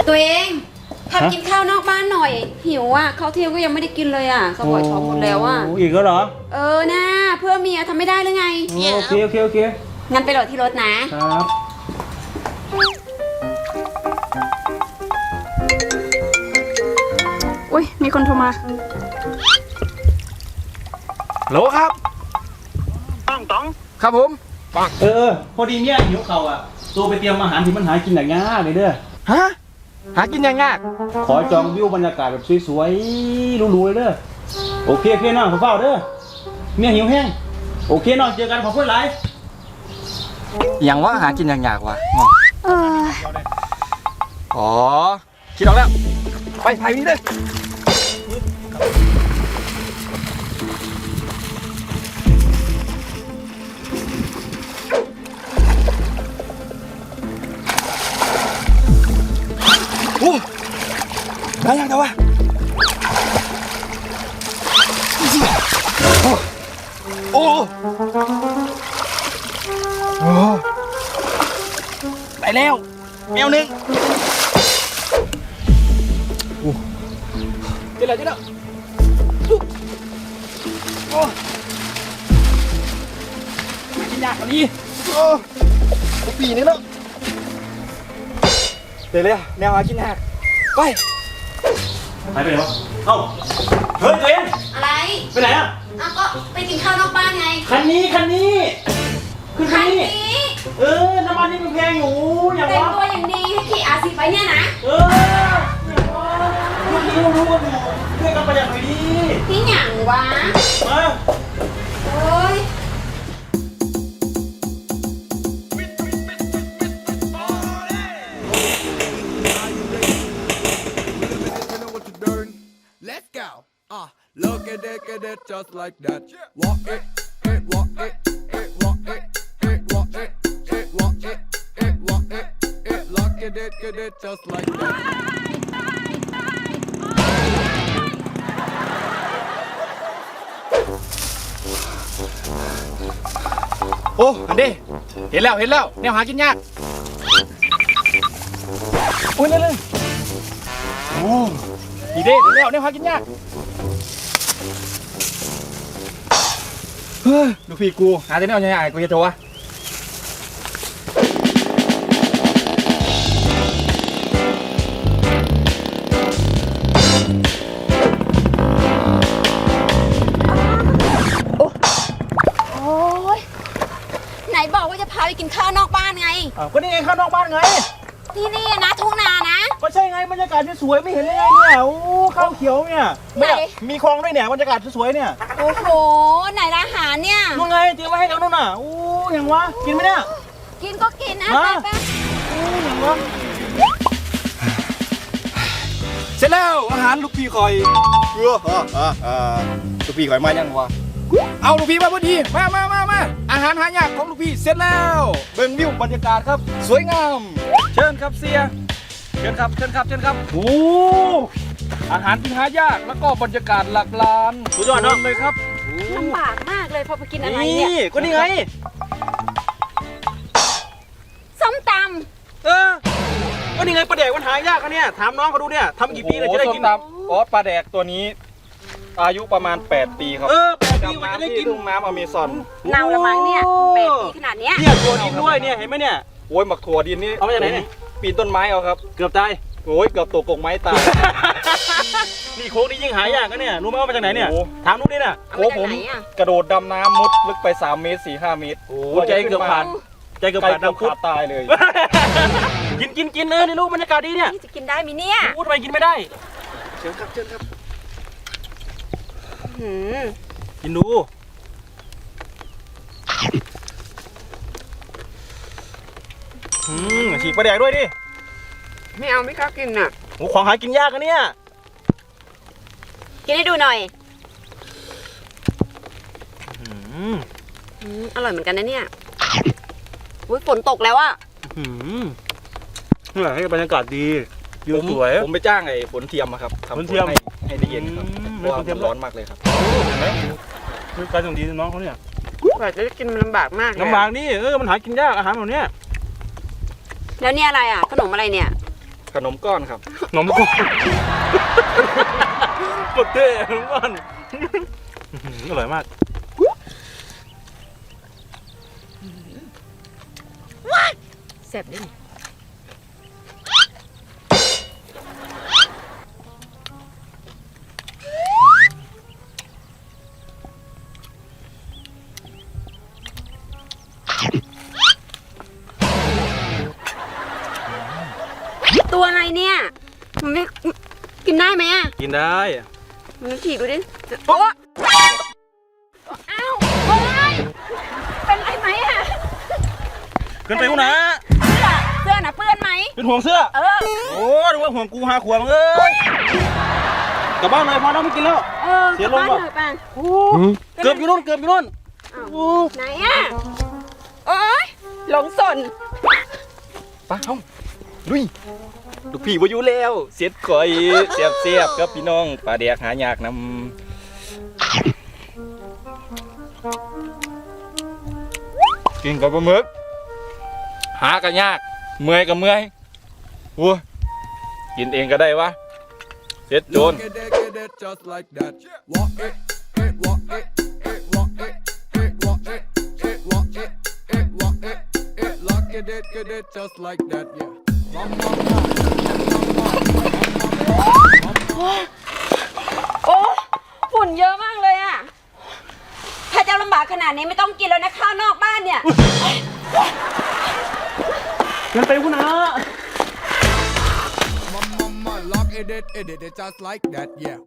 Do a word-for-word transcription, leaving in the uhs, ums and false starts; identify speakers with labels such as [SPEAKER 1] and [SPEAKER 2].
[SPEAKER 1] ตัวเองพากินข้าวนอกบ้านหน่อยหิวอ่ะข้าวเที่ยงก็ยังไม่ได้กินเลยอ่ะสปอยท้องหมดแล้วอ่ะ
[SPEAKER 2] อีกแล้วเหรอ
[SPEAKER 1] เออนะเพื่อเมียทำไม่ได้หรือไง
[SPEAKER 2] โอเคโอเคโอเค
[SPEAKER 1] งั้นไปโหลดที่รถนะครับอุ้ยมีคนโทรมา
[SPEAKER 3] โหลครับต้องต้องครับผมปัง
[SPEAKER 2] เออพอดีเมียหิวเข่าอ่ะตัวไปเตรียมอาหารที่มันหากินอย่างง่ายเลยเด้อ
[SPEAKER 3] ฮะหากินยังไง
[SPEAKER 2] ขอจองวิวบรรยากาศแบบสวยๆหรูๆเลยเด้อโอเคโอเคน้องขอเฝ้าเด้อเมียหิวแห้งโอเคน้องเจอกันขอบคุณหลาย
[SPEAKER 3] อย่างว่าหากินอย่างยากวะ
[SPEAKER 1] เออ
[SPEAKER 3] อ๋อคิดออกแล้วไปไปนี่เลยโอ้ได้ยังแต่ว่าโอ้โอ้โอ้ได้แล้วแมวหนึ่งโอ้เจ๊แล้วเจ๊แล้วโอ้กินยากกว่านี้โอ้ปีนี้แล้วเดี๋ยวเลยแนวหากินหักไป
[SPEAKER 2] ไปไปไหนวะเอ้าเฮ้ยตัวเอง
[SPEAKER 1] อะไร
[SPEAKER 2] ไปไหนอ่ะ
[SPEAKER 1] อ้าวก็ไปกินข้าวนอกบ้านไง
[SPEAKER 2] คันนี้คันนี้ขึ้นคันนี้
[SPEAKER 1] นี้
[SPEAKER 2] เออน้ำมันนี่มันแพงอยู่อย่างวะ
[SPEAKER 1] แต่งตัวอย่างดีให้ขี่อาซีไปเนี่ยนะ
[SPEAKER 2] เอออย่างวะรู้รู้รู้ว่าอยู่ช่วยกันประหยัดหน่อยดิ
[SPEAKER 1] พี่หยั่งวะ
[SPEAKER 2] มา
[SPEAKER 1] โอ้ย
[SPEAKER 4] Let's go. Uh, look at it, get it just like that. Walk it, it, walk it, it, walk it, it, walk it, it, walk it, it, walk it, it, look at it, get it just like that.
[SPEAKER 3] โอ้อันนี้เห็นแล้วเห็นแล้วแนวหากินยากโอ้ยเลยเลยโอ้ดีเด้เห็นแล้วแนวหากินยากเฮ้ยลูกพี่กูหาแต่แนวยังไงกูจะโทรวะ
[SPEAKER 1] ไหนบอกว่าจะพาไปกินข้าวนอกบ้านไง
[SPEAKER 2] อ้าวก็นี่ไงข้าวนอกบ้านไง
[SPEAKER 1] ที่นี่นะทุ่งนานะ
[SPEAKER 2] ก็ใช่ไงบรรยากาศสวยไม่เห็นเลยไงเนี่ยโอ้ข้าวเขียวเนี่ยไม่มีคลองด้วยเนี่ยบรรยากาศสวยเนี่ย
[SPEAKER 1] โอ้โหไหนอาหารเนี่ย
[SPEAKER 2] นู่นไงเตรียมไว้ให้แล้วนู่นน่ะโอ้ยังวะกินไหมเนี่ย
[SPEAKER 1] กินก็กินนะไปไป
[SPEAKER 2] โอ้ยังวะ
[SPEAKER 3] เสร็จแล้วอาหารลูกพี่คอยเออลูกพี่คอยมายังวะเอาลูกพี่มาพอดีมามามามาอาหารหายากของลูกพี่เสร็จแล้วเบิ่งวิวบรรยากาศครับสวยงามเชิญครับเสียเชิญครับเชิญครับเชิญครับโอ้อาหารที่หายากแล้วก็บรรยากาศหลักล้าน
[SPEAKER 2] สุดยอดเนาะ
[SPEAKER 3] เลยครับ
[SPEAKER 1] ลำบากมากเลยพอไปกินอะไรเนี่ย
[SPEAKER 2] นี่ก็นี่ไง
[SPEAKER 1] ส้มต
[SPEAKER 2] ำเออก็นี่ไงปลาแดกมันหายากกันเนี่ยถามน้องเขาดูเนี่ยทำกี่ปีเลยจะได้กิน
[SPEAKER 3] อ๋อปลาแดกตัวนี้อายุประมาณแปดปีครับ
[SPEAKER 2] เออแปดปีมันจะได้กิน
[SPEAKER 3] ทุ่งน้ำอเมซอน
[SPEAKER 1] เนาละมั้งเนี่ยแปดปีขนาดเนี้ย
[SPEAKER 2] เนี่ยถั่วดินด้วยเนี่ยเห็นไหมเนี่ย
[SPEAKER 3] โอ้ยหมักถั่วดินนี่
[SPEAKER 2] เอามาจากไหนเนี่ย
[SPEAKER 3] ปีนต้นไม้เอาครับ
[SPEAKER 2] เกือบตาย
[SPEAKER 3] โอ้ยเกือบตกกงไม้ตาย
[SPEAKER 2] นี่โค้งนี่ยิ่งหายากนะเนี่ยรู้ไหมว่ามาจากไหนเนี่ยถามนุ๊กดิน่ะ
[SPEAKER 3] โอ้ผมกระโดดดำน้ำมุดลึกไปสามเมตรสี่ห้าเมตร
[SPEAKER 2] โอ้ใจเกือบขาดใจเกือบขาดดำ
[SPEAKER 3] ขาดตายเลย
[SPEAKER 2] กินกินกินเออนี่ลูกบรรยากาศดีเนี่ย
[SPEAKER 1] จะกินได้มั้ยเนี่ย
[SPEAKER 2] พูดไปกินไม่ได้
[SPEAKER 3] เชิญครับเชิญครับ
[SPEAKER 2] กินดูอืมฉีกปลาแดกด้วยดิ
[SPEAKER 1] ไม่เอาไม่กล้ากินอ่ะ
[SPEAKER 2] โอ้ของหากินยากอะเนี่ย
[SPEAKER 1] กินให้ดูหน่อย
[SPEAKER 2] อืม
[SPEAKER 1] อร่อยเหมือนกันนะเนี่ยอุ้ยฝนตกแล้วอ่ะ
[SPEAKER 2] อืมนี่แหละให้บรรยากาศดีวิวสวย
[SPEAKER 3] ผมไปจ้างไอ้ฝนเทียมครับ
[SPEAKER 2] ฝนเทียม
[SPEAKER 3] ให้ได้เย็นครับเพราะว่ามันร้อนมากเลยครับ
[SPEAKER 2] เห็นไหมคือการส่งดีน้องเขาเนี่ย
[SPEAKER 1] กว่าจะได้กินมันลำบากมาก
[SPEAKER 2] ลำบากนี่เออมันหากินยากอาหารแบบนี้
[SPEAKER 1] แล้วเนี่ยอะไรอ่ะขนมอะไรเนี่ย
[SPEAKER 3] ขนมก้อนครับ
[SPEAKER 2] นมก้อนหมดเท่นมก้อนอร่อยมาก
[SPEAKER 1] แซ่บดิตัวอะไรเนี่ย มันไม่กินได้ไหมอ่ะ
[SPEAKER 2] กินได้
[SPEAKER 1] มันฉีกดูดิโอ้อ้าวโอ้ยเป็นไรไหมอ่ะ
[SPEAKER 2] เกินไปกูนะ
[SPEAKER 1] เสื้อเสื้อน่ะเปื้อนไหม
[SPEAKER 2] เป็นห่วงเสื้อ
[SPEAKER 1] เออ
[SPEAKER 2] โอ้ดูว่าห่วงกูหาขวางเอ้ยกลับบ้านเลยพอแล้วไม่กินแล้ว
[SPEAKER 1] เออ
[SPEAKER 2] เสียลม
[SPEAKER 1] กลับ
[SPEAKER 2] ว่ะ
[SPEAKER 1] บ้านเลยป่ะ
[SPEAKER 2] เกือบอยู่นู่นเกือบอยู่นู่น
[SPEAKER 1] อ้าว
[SPEAKER 2] โอ้
[SPEAKER 1] ไหนอ่ะ โอ๊ยหลงสน
[SPEAKER 3] ไปเฮ้าลุยลูกพี่บ่อยู่แล้วเสียดข่อยเสียบเสียบกับพี่น้องปลาแดกหายากนำกินกับปลาหมึกหากันยากเมื่อยกับเมื่อยวัวกินเองก็ได้วะเสียดโจร
[SPEAKER 4] Look at it, get it just like that. Walk it, it, walk it, it, walk it, it, walk it, it, walk it, it, walk it, it, lock it, it, get it just like that, yeah. Mama, mama,
[SPEAKER 1] โอ้ฝุ่นเยอะมากเลยอ่ะ ถ้าจะลำบากขนาดนี้ไม่ต้องกินแล้วนะข้าวนอกบ้านเนี่ย
[SPEAKER 2] เกินไปกูนะ
[SPEAKER 4] mama, mama, lock it, it, it, it, just like that, yeah.